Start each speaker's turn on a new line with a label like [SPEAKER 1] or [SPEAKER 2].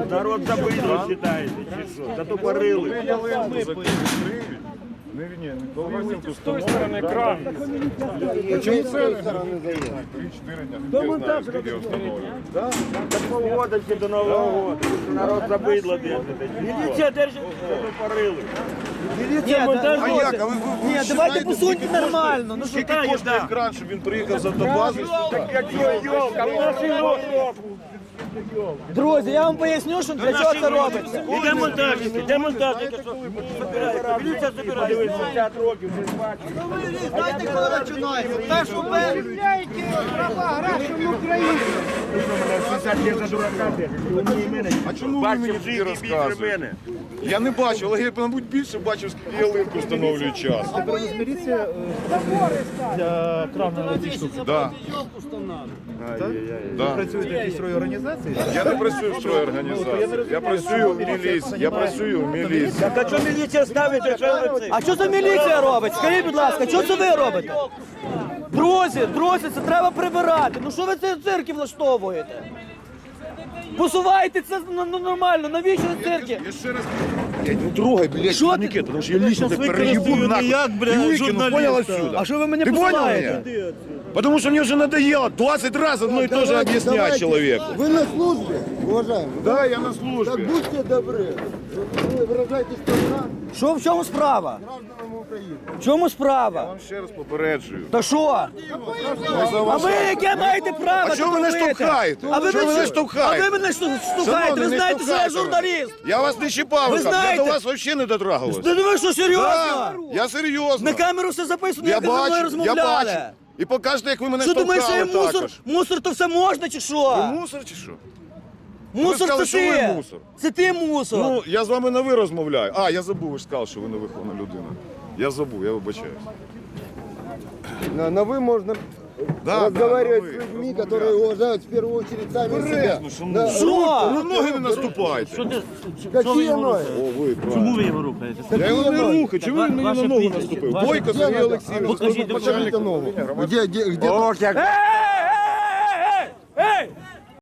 [SPEAKER 1] Народ забидло вважаєте, чи що? Затопорили.
[SPEAKER 2] З тої сторони кран.
[SPEAKER 3] Чому це 3-4 дня?
[SPEAKER 1] До монтажу. До полгода чи до Нового року. Народ забидло держите. Міліція держить, затопорили.
[SPEAKER 4] Міліція монтаж.
[SPEAKER 3] А як? А ви
[SPEAKER 4] Ні, давайте посуньте нормально. Ну
[SPEAKER 3] скільки коштує кран, щоб він приїхав з автобази?
[SPEAKER 1] Йолка, в нашій року.
[SPEAKER 4] друзі, я вам поясню, що для чого це робиться.
[SPEAKER 1] Іде монтажники, де монтажники, що забирається, міліція забирає. 50 років, вже бачите.
[SPEAKER 4] Знаєте, коли починається? Першу
[SPEAKER 1] Права, граждан України. 60 років за дурака держить.
[SPEAKER 3] А чому ви мені тоді розказуєте? Я не бачив, але я, мабуть, більше бачив, скільки ялинку встановлюють час.
[SPEAKER 5] Міліція для крана ці штуки.
[SPEAKER 3] Да. Да.
[SPEAKER 5] Працюєте в якійсь організації?
[SPEAKER 3] Я не працюю в стройорганізації. Я працюю в міліції. Я працюю в міліції.
[SPEAKER 1] Так а що міліція ставить, якщо ви це?
[SPEAKER 4] А що за міліція робить? Скажіть, будь ласка, що це ви робите? Друзі, це треба прибирати. Ну що ви це цирки влаштовуєте? Посувайте це нормально, навіщо цирки?
[SPEAKER 3] Я ще раз... Блядь, не трогай, блядь,
[SPEAKER 4] Що ти?
[SPEAKER 3] турнікет, тому що я лично тебе переїбу нахуй. І викину, понял, отсюда?
[SPEAKER 4] А що ви мене
[SPEAKER 3] Ты понял
[SPEAKER 4] посилаєте?
[SPEAKER 3] меня? Потому что мне уже надоело 20 раз одно и то же объяснять человеку.
[SPEAKER 6] Вы на службе, уважаемый?
[SPEAKER 3] Да, я на
[SPEAKER 6] Так
[SPEAKER 3] службе.
[SPEAKER 6] будьте добры. Вы выражаете страна
[SPEAKER 4] Що, в чому справа?
[SPEAKER 6] гражданам Украины.
[SPEAKER 4] В чому
[SPEAKER 3] Я
[SPEAKER 4] справа?
[SPEAKER 3] вам ще раз попереджую.
[SPEAKER 4] Та що? А ви яке маєте право?
[SPEAKER 3] А чого ви
[SPEAKER 4] тут
[SPEAKER 3] не
[SPEAKER 4] робити?
[SPEAKER 3] штовхаєте?
[SPEAKER 4] А ви
[SPEAKER 3] Чого ви не
[SPEAKER 4] мене
[SPEAKER 3] штовхаєте?
[SPEAKER 4] А ви мене штовхаєте?
[SPEAKER 3] Шановний,
[SPEAKER 4] Ви
[SPEAKER 3] не
[SPEAKER 4] знаєте, що я
[SPEAKER 3] штовхайте мене.
[SPEAKER 4] журналіст.
[SPEAKER 3] Я вас не чіпав,
[SPEAKER 4] Ви
[SPEAKER 3] я
[SPEAKER 4] знаєте.
[SPEAKER 3] до вас взагалі не дотрагувався.
[SPEAKER 4] Ти думаєш, що серйозно?
[SPEAKER 3] Да, я серйозно.
[SPEAKER 4] На камеру все записано,
[SPEAKER 3] Я
[SPEAKER 4] як ви зі мною
[SPEAKER 3] бачу, я
[SPEAKER 4] розмовляли.
[SPEAKER 3] бачу. І покажете, як ви мене
[SPEAKER 4] Що думаєш, що я
[SPEAKER 3] штовхали
[SPEAKER 4] мусор?
[SPEAKER 3] також.
[SPEAKER 4] Мусор то все можна чи
[SPEAKER 3] Ви
[SPEAKER 4] що?
[SPEAKER 3] мусор чи що?
[SPEAKER 4] Мусор
[SPEAKER 3] сказали,
[SPEAKER 4] це
[SPEAKER 3] що ви
[SPEAKER 4] ти.
[SPEAKER 3] мусор.
[SPEAKER 4] Це ти мусор.
[SPEAKER 3] Ну, я з вами на ви розмовляю. А, я забув, ви ж сказали, що ви невихована людина. Я забув, я вибачаюсь.
[SPEAKER 6] На вы можно
[SPEAKER 3] Да,
[SPEAKER 6] разговаривать
[SPEAKER 3] да, на
[SPEAKER 6] с
[SPEAKER 3] «вы»,
[SPEAKER 6] людьми,
[SPEAKER 3] размовлять.
[SPEAKER 6] которые уважают в первую очередь сами себя.
[SPEAKER 3] Коректно, шановні.
[SPEAKER 4] Що?
[SPEAKER 3] Ви ноги не наступайте.
[SPEAKER 6] Какие ноги?
[SPEAKER 3] О, ви, правильно.
[SPEAKER 2] Чому ви його рухаєте?
[SPEAKER 3] Я його
[SPEAKER 6] Какие
[SPEAKER 3] не
[SPEAKER 6] ноги?
[SPEAKER 3] рухаю, чому він мені на
[SPEAKER 2] Ваше
[SPEAKER 3] ногу
[SPEAKER 2] прізвище.
[SPEAKER 3] наступив?
[SPEAKER 2] Ваше-
[SPEAKER 3] Бойко Сергій Олексійович,
[SPEAKER 2] Покажіть,
[SPEAKER 3] начальник
[SPEAKER 6] Покажите ногу.
[SPEAKER 3] управління громадського.
[SPEAKER 6] Где?
[SPEAKER 1] Ох, як
[SPEAKER 4] Ей!